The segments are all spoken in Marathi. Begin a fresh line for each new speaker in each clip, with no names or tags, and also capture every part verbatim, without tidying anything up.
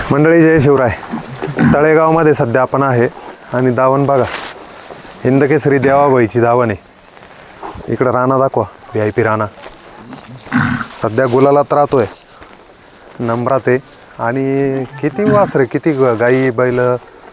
मंडळी जय शिवराय. तळेगावमध्ये सध्या आपण आहे आणि दावण बघा, हिंदकेसरी देवाबाईची दावण आहे. इकडं राणा दाखवा, व्ही आय पी राणा सध्या गुलालात राहतोय, नंबरात आहे. आणि किती वासरे, किती गाई बैल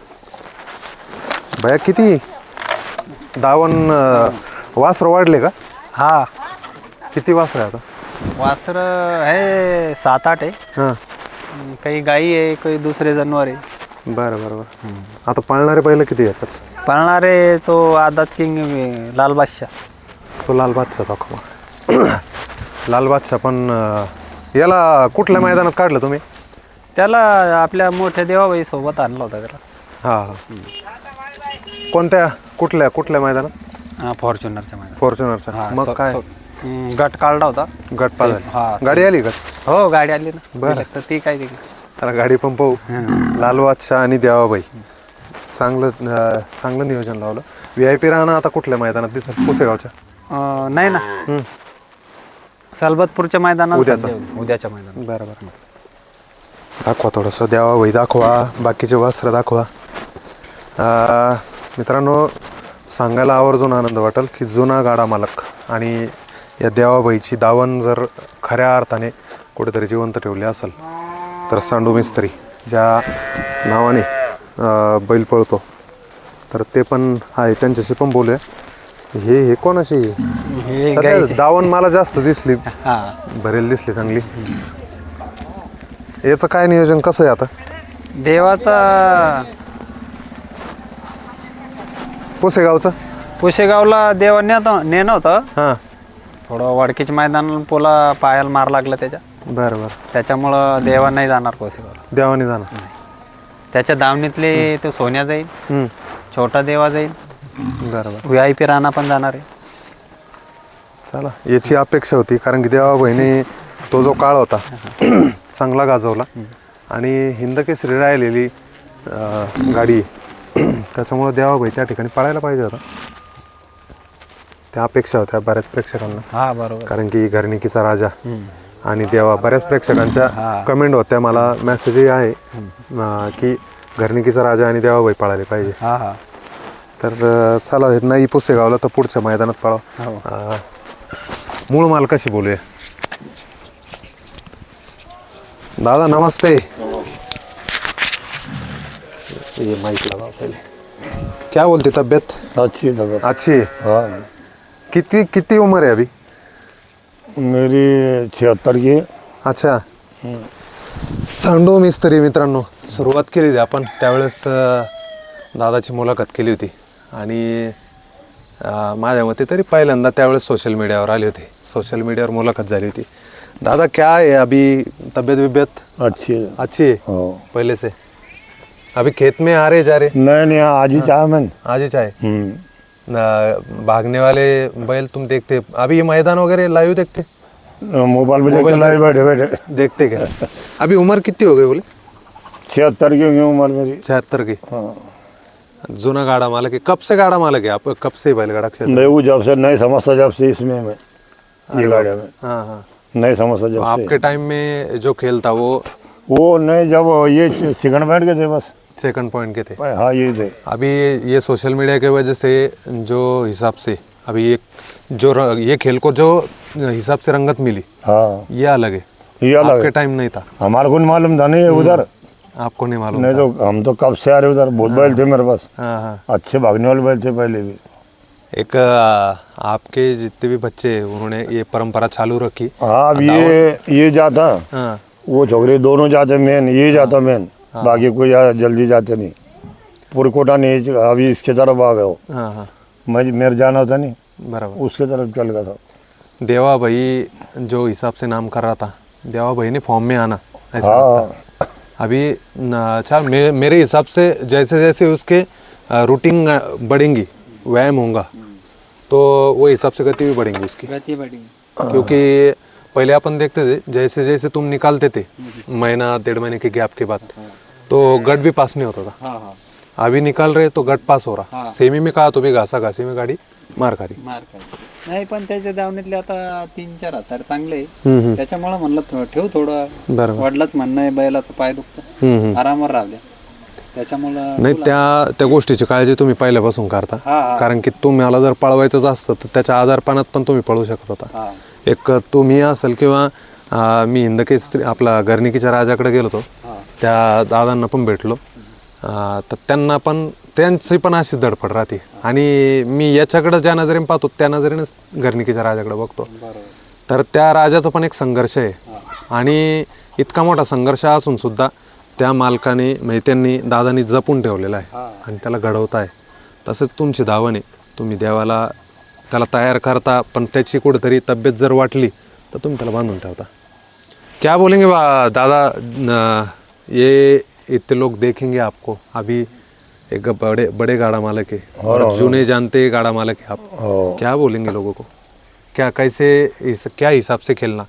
बया, किती दावण वासरं वाढले का?
हा,
किती वासरं आहे आता?
वासर आहे सात आठ आहे.
हां,
काही गाई आहे, काही दुसरे जनावर आहे.
बरं बरं बरं. आता पाळणारे बैल किती याच्यात?
पळणारे तो आदात किंग लाल बादशाह.
तो लाल बादशाह दाखवा. लाल बादशाह पण अं, याला कुठल्या मैदानात काढलं तुम्ही?
त्याला आपल्या मोठ्या देवाबाई सोबत आणला होता त्याला.
हां हां. कोणत्या कुठल्या कुठल्या मैदानात?
हा, फॉर्च्युनरच्या मैदान.
फॉर्च्युनरचा.
हा,
मग
सो-
काय
सो- हम्म, गट काढला होता.
गट पास झाली.
हा,
गाडी आली का?
हो, गाडी आली ना.
बरं.
डिलक्सचं ती काय ते
त्याला गाडी पण पाहू. लाल बादशाह आणि देवाबाई, चांगलं अं, चांगलं नियोजन लावलं. व्ही आय पी राहणं आता कुठल्या मैदानात दिसत? पुसेगावच्या.
अं, नाही ना,
हम्म.
सलबतपूरच्या मैदानात
उद्याचं.
सध्या- उद्याच्या मैदानात.
बरं बरं. दाखवा थोडंसं देवाबाई दाखवा, बाकीचे वस्त्र दाखवा. अं, मित्रांनो, सांगायला आवर्जून आनंद वाटेल की जुना गाडा मालक आणि या देवाबाईची दावण जर खऱ्या अर्थाने कुठेतरी जिवंत ठेवली असेल तर सांडू मिस्त्री ज्या नावाने अं, बैल पळतो, तर ते पण आहे. त्यांच्याशी पण बोलूया. हे हे कोणाशी?
हे
सध्या
गाईचे.
दावण मला जास्त दिसली,
हा,
भरेल दिसली चांगली. याचं काय नियोजन कसं आहे आता?
देवाचा
पुसेगावचं.
पुशेगावला देवा नेतो नेणं होतं.
हां,
थोडं वडकीच्या मैदान पोला पायाला मार लागला त्याच्या,
बरं बरं.
त्याच्यामुळं देवा नाही जाणार पुशेगावला.
देवाने जाणार.
त्याच्या दावणीतले तो सोन्या जाईल,
हम्म,
छोटा देवा जाईल,
बरं बरं.
व्ही आय पी राणा पण जाणार आहे.
चला, याची अपेक्षा होती, कारण की देवा बहिणी तो जो काळ होता चांगला गाजवला आणि हिंदकेसरी राहिलेली अं, गाडी त्याच्यामुळं देवाबाई त्या ठिकाणी पळायला पाहिजे होता. त्या अपेक्षा होत्या बऱ्याच प्रेक्षकांना,
हा, बरोबर.
कारण की घरणिकीचा राजा
हम्म.
आणि देवा. बऱ्याच प्रेक्षकांच्या
हा.
कमेंट होत्या, मला मेसेजही आहे अं, की घरणिकीचा राजा आणि देवाबाई पळाले पाहिजे.
हा हा
तर अं, चला, हे नाही पुसेगावला तर पुढच्या मैदानात पळाव.
हो.
अं, मूळ मालकाशी बोलूया. दादा नमस्ते. ये माइक लगाओ पहले. क्या बोलती तबीयत?
अच्छी तबीयत।
अच्छी है.
हाँ,
कितनी कितनी उम्र है अभी?
मेरी छिहत्तर की।
अच्छा. सांडो मिस्त्री मित्रांनो, सुरुवात केली होती आपण त्यावेळेस अं, दादाची मुलाखत केली होती आणि अं, माझ्या मते तरी पहिल्यांदा त्यावेळेस सोशल मीडियावर आले होते. सोशल मीडियावर मुलाखत झाली होती. दादा क्या है अभी, तबीयत विबीयत
अच्छी है।
अच्छी है
हाँ।
पहले से? अभी खेत में आ रहे जा रहे?
नहीं नहीं, आज ही चाहा मैंने।
आज ही चाहे.
हम्म।
न- भागने वाले बैल तुम देखते? अभी ये मैदान वगैरह लाइव देखते?
मोबाइल में देखते
मोबाइल
लाए बैठे बैठे।
देखते क्या? अभी उम्र कितनी हो गई बोले?
छिहत्तर की होगी उम्र मेरी।
छिहत्तर की.
हाँ।
जुना गाड़ा मालक है. कब से गाड़ा मालक है आप? कब से बैलगाड़ा क्षेत्र?
मैं वो जब से नहीं समझता, जब से इसमें मैं ये गाड़ी में
हाँ हाँ.
नहीं समझता जब
आपके
से।
टाइम में जो खेल था वो
वो नहीं, जब ये सिकंड बैठ गए थे बस।
सेकंड पॉइंट के थे.
हाँ, ये थे।
अभी ये सोशल मीडिया की वजह से जो हिसाब से अभी ये जो र- ये खेल को जो हिसाब से रंगत मिली,
हाँ,
ये अलग है.
ये अलग
आपके
है।
टाइम नहीं था,
हमारे को नहीं मालूम था नहीं है उधर।
आपको नहीं मालूम
नहीं
था.
तो हम तो कब से आ रहे उधर, बहुत बैल थे मेरे पास,
हाँ हाँ.
अच्छे भागने वाले बैल थे पहले भी।
एक आ, आपके जितने भी बच्चे हैं, उन्होंने ये परंपरा चालू रखी.
हाँ, अब ये ये जाता,
हाँ
वो छोकरे दोनों जाते मेन, ये जाता मेन, बाकी कोई या- जल्दी जाते नहीं। पुरकोटा नहीं, अभी इसके तरफ आ गए हो।
हाँ हाँ,
मैं मेरे जाना होता नहीं,
बराबर.
उसके तरफ चल गया था।
देवा भाई जो हिसाब से नाम कर रहा था, देवा भाई ने फॉर्म में आना ऐसा लगता है.
हाँ,
अभी न- अच्छा, मे, मेरे हिसाब से जैसे जैसे उसके रूटीन बढ़ेंगी, व्यायाम होगा, तो वो हिसाब से गति भी बढ़ेंगी उसकी.
गती बड़ी.
क्योंकि पहले अपन देखते थे जैसे जैसे तुम निकालते थे महीना डेढ़ महीने के गैप के बाद, तो गट भी पास नहीं होता था.
हाँ हाँ,
अभी निकाल रहे तो गट पास हो रहा.
हाँ.
सेमी में कहा तो भी घासा घासी में गाडी मार खारी.
मार काय नाही, पण त्याच्या दावणीतले आता तीन चार हातार चांगले आहे.
हम्म, हम्म.
त्याच्यामुळे म्हणलं थो- ठेव थोडं.
बरोबर.
वडिलाच म्हणणं आहे बैलाचं पाय दुखतं. आरामावर राहू द्या. त्याच्यामुळं
नाही त्या त्या गोष्टीची काळजी तुम्ही पहिल्यापासून करता,
हा, हा.
कारण की तुम्हाला जर पळवायचंच असतं तर त्याच्या आजारपणात पण तुम्ही पळू शकत होता.
हा.
एक तुम्ही असेल किंवा अं, मी हिंदकेसरी आपला गर्निकीच्या राजाकडे गेलो होतो,
हा.
त्या दादांना पण भेटलो, अं, तर त्यांना पण त्यांची पण अशी धडपड राहते. आणि मी याच्याकडे ज्या नजरेने पाहतो त्या नजरेनेच गर्निकीच्या राजाकडे बघतो.
बरोबर.
तर त्या राजाचा पण एक संघर्ष आहे, आणि इतका मोठा संघर्ष असून सुद्धा त्या मालकाने म्हणजे त्यांनी दादानी जपून ठेवलेला आहे आणि त्याला घडवताय. तसंच तुमची धावण आहे, तुम्ही देवाला त्याला तयार करता, पण त्याची कुठेतरी तब्येत जर वाटली तर तुम्ही त्याला बांधून ठेवता. क्या बोलेंगे बा दादा, न, ये इतने लोग देखेंगे आपको, अभी एक बड़े बड़े गाड़ा मालक है और जुने जानते गाड़ा मालक है आप, क्या बोलेंगे लोगों को, क्या कैसे इस क्या हिसाब से खेलना?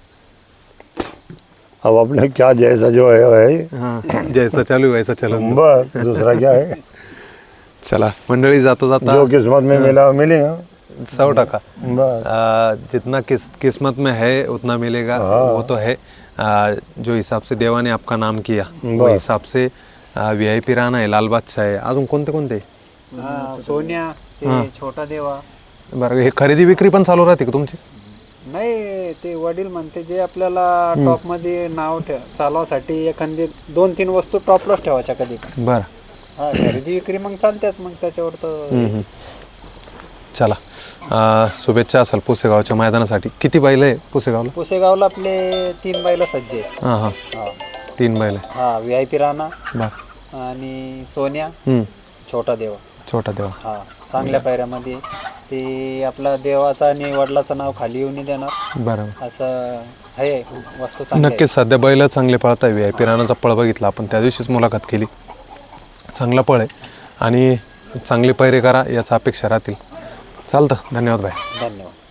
अब अपने क्या जैसा जो है है
हाँ, जैसा चालू वैसा चलो.
बस दूसरा क्या है.
चला मंडळी, जाता जाता
जो किस्मत में मिला मिलेगा.
सौ टका
बस
आ, जितना किस किस्मत में है उतना मिलेगा, वो तो है. आ, जो हिसाब से देवा ने आपका नाम किया वो हिसाब से वी आय पी राणा आहे, लाल बादशाह आहे, अजून कोणते कोणते?
हा, सोन्या, ते छोटा देवा.
बरं, हे खरेदी विक्री पण चालू राहते का तुमची?
नाही, ते वडील म्हणते जे आपल्याला टॉप मध्ये नाव ठेव चालवासाठी एखादी दोन तीन वस्तू टॉपलाच ठेवायच्या कधी पण.
बरं,
हा, खरेदी विक्री मग चालतेच मग त्याच्यावर तर.
चला, आ, शुभेच्छा असेल पुसेगावच्या मैदानासाठी. किती बैल आहे पुसेगावला?
पुसेगावला आपले तीन बैल सज्ज आहे.
हां हां,
हा.
तीन बैल आहे.
हा, व्ही आय पी राणा
बरं,
आणि सोन्या,
हम्म,
छोटा देवा.
छोटा देवा.
हा, चांगल्या पायऱ्यामध्ये ते आपला देवाचं आणि वडिलाचं नाव खाली येऊन नाही देणार
बरं,
असं आहे वस्तू चांगली आहे.
नक्कीच. सध्या बैल चांगले पळत आहे. व्ही आय पी राणाचा पळ बघितला आपण त्या दिवशीच मुलाखत केली, चांगला पळ आहे आणि चांगले पैरे करा याचा अपेक्षा राहतील. चालतं, धन्यवाद भाई.
धन्यवाद.